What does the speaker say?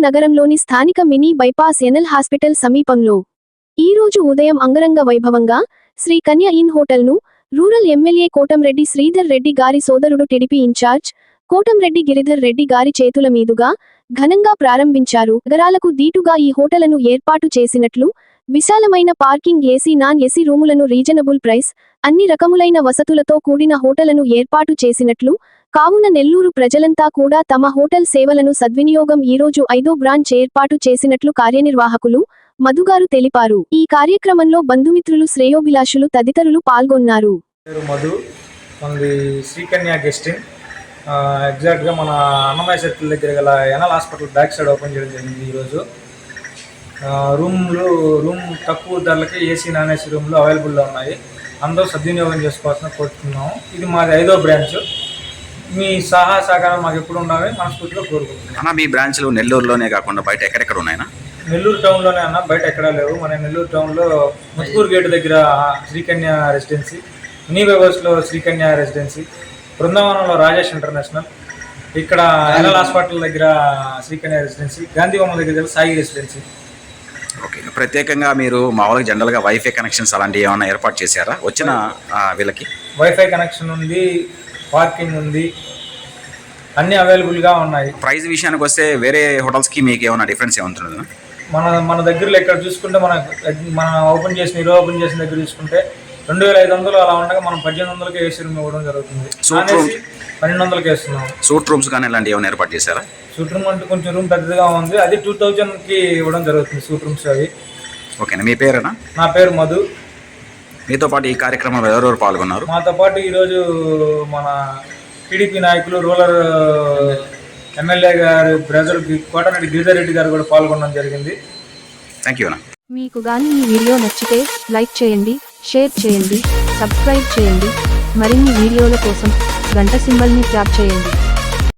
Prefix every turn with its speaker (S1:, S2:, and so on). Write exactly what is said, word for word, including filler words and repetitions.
S1: నగరంలోని స్థానిక mini bypass NL hospital సమీపంలో ఈ రోజు ఉదయం అంగరంగ వైభవంగా శ్రీ కన్య ఇన్ హోటల్ను రూరల్ ఎమ్మెల్యే కోటంరెడ్డి శ్రీధర్ రెడ్డి గారి సోదరుడు టీడీపీ ఇన్ఛార్జ్ కోటంరెడ్డి గిరిధర్ రెడ్డి గారి చేతుల మీదుగా ఘనంగా ప్రారంభించారు. నగరాలకు దీటుగా ఈ హోటలను ఏర్పాటు చేసినట్లు, విశాలమైన పార్కింగ్, ఏసీ, నాన్ ఏసీ రూములను, రీజనబుల్ ప్రైస్, అన్ని రకములైన వసతులతో కూడిన హోటలను ఏర్పాటు చేసినట్లు, కావున నెల్లూరు ప్రజలంతా కూడా తమ హోటల్ సేవలను సద్వినియోగం ఈరోజు ఐదో బ్రాంచ్ ఏర్పాటు చేసినట్లు కార్యనిర్వాహకులు మధుగారు తెలిపారు. ఈ కార్యక్రమంలో బంధుమిత్రులు, శ్రేయోభిలాషులు తదితరులు పాల్గొన్నారు.
S2: మధు మనది శ్రీకన్య గెస్టింగ్ ఎగ్జాక్ట్గా మన అన్నమయ్య సర్కిల్ దగ్గర గల NL hospital back side open చేయడం జరిగింది. ఈరోజు రూమ్లు రూమ్ తక్కువ ధరలకి ఏసీ, నాన్ ఏసీ రూమ్లు అవైలబుల్లో ఉన్నాయి. అందరూ సద్వినియోగం చేసుకోవాల్సిన కోరుతున్నాము. ఇది మాది ఐదో బ్రాంచ్. మీ సహాయ సహకారం మాకు ఎప్పుడు ఉండాలని మనస్ఫూర్తిగా కోరుకుంటున్నాం.
S3: అన్న, మీ బ్రాంచ్లు నెల్లూరులోనే కాకుండా బయట ఎక్కడెక్కడ ఉన్నాయన్నా?
S2: నెల్లూరు టౌన్లోనే అన్న, బయట ఎక్కడా లేవు. మన నెల్లూరు టౌన్లో ముత్కూరు గేటు దగ్గర శ్రీకన్య రెసిడెన్సీ, మినీ బైపాస్లో శ్రీకన్య రెసిడెన్సీ, బృందావనంలో రాజేష్ ఇంటర్నేషనల్, ఇక్కడ ఎన్ఎల్ హాస్పిటల్ దగ్గర శ్రీకన్య రెసిడెన్సీ, గాంధీ బొమ్మ దగ్గర సాయి రెసిడెన్సీ.
S3: ఓకే, ప్రత్యేకంగా మీరు మామూలుగా జనరల్గా వైఫై కనెక్షన్స్ అలాంటివి ఏమైనా ఏర్పాటు చేశారా వచ్చిన వీళ్ళకి?
S2: వైఫై కనెక్షన్ ఉంది, పార్కింగ్ ఉంది, అన్నీ అవైలబుల్గా ఉన్నాయి.
S3: ప్రైస్ విషయానికి వస్తే వేరే హోటల్స్కి మీకు ఏమైనా డిఫరెన్స్ ఏముంటుంది?
S2: మన మన దగ్గరలో ఇక్కడ చూసుకుంటే, మన మన ఓపెన్ చేసిన ఈరోజు ఓపెన్ చేసిన దగ్గర చూసుకుంటే రెండు వేల ఐదు వందలు అలా ఉండగా మనం పద్దెనిమిది వందలకి ఏసీ రూమ్ ఇవ్వడం జరుగుతుంది. పన్నెండు వందలకి వేస్తున్నాం.
S3: సూట్ రూమ్స్ కానీ ఇలాంటి ఏమైనా ఏర్పాటు చేశారా?
S2: సూట్ రూమ్ అంటే కొంచెం రూమ్ పెద్దగా ఉంది, అది టూ థౌజండ్కి ఇవ్వడం జరుగుతుంది సూట్ రూమ్స్ అవి.
S3: ఓకేనా, మీ పేరేనా?
S2: నా పేరు మధు.
S3: మీతో పాటు ఈ కార్యక్రమంలో ఎవరెవరు పాల్గొన్నారు?
S2: మాతో పాటు ఈరోజు మన టీడీపీ నాయకులు, రూరల్ ఎమ్మెల్యే గారు బ్రదర్ కోటరెడ్డి గిరిధర్ రెడ్డి గారు కూడా పాల్గొనడం జరిగింది.
S3: థ్యాంక్ యూ అన్న.
S1: మీకు గాని ఈ వీడియో నచ్చితే లైక్ చేయండి, షేర్ చేయండి, సబ్స్క్రైబ్ చేయండి. మరిన్ని వీడియోల కోసం గంట సింబల్ని ట్యాప్ చేయండి.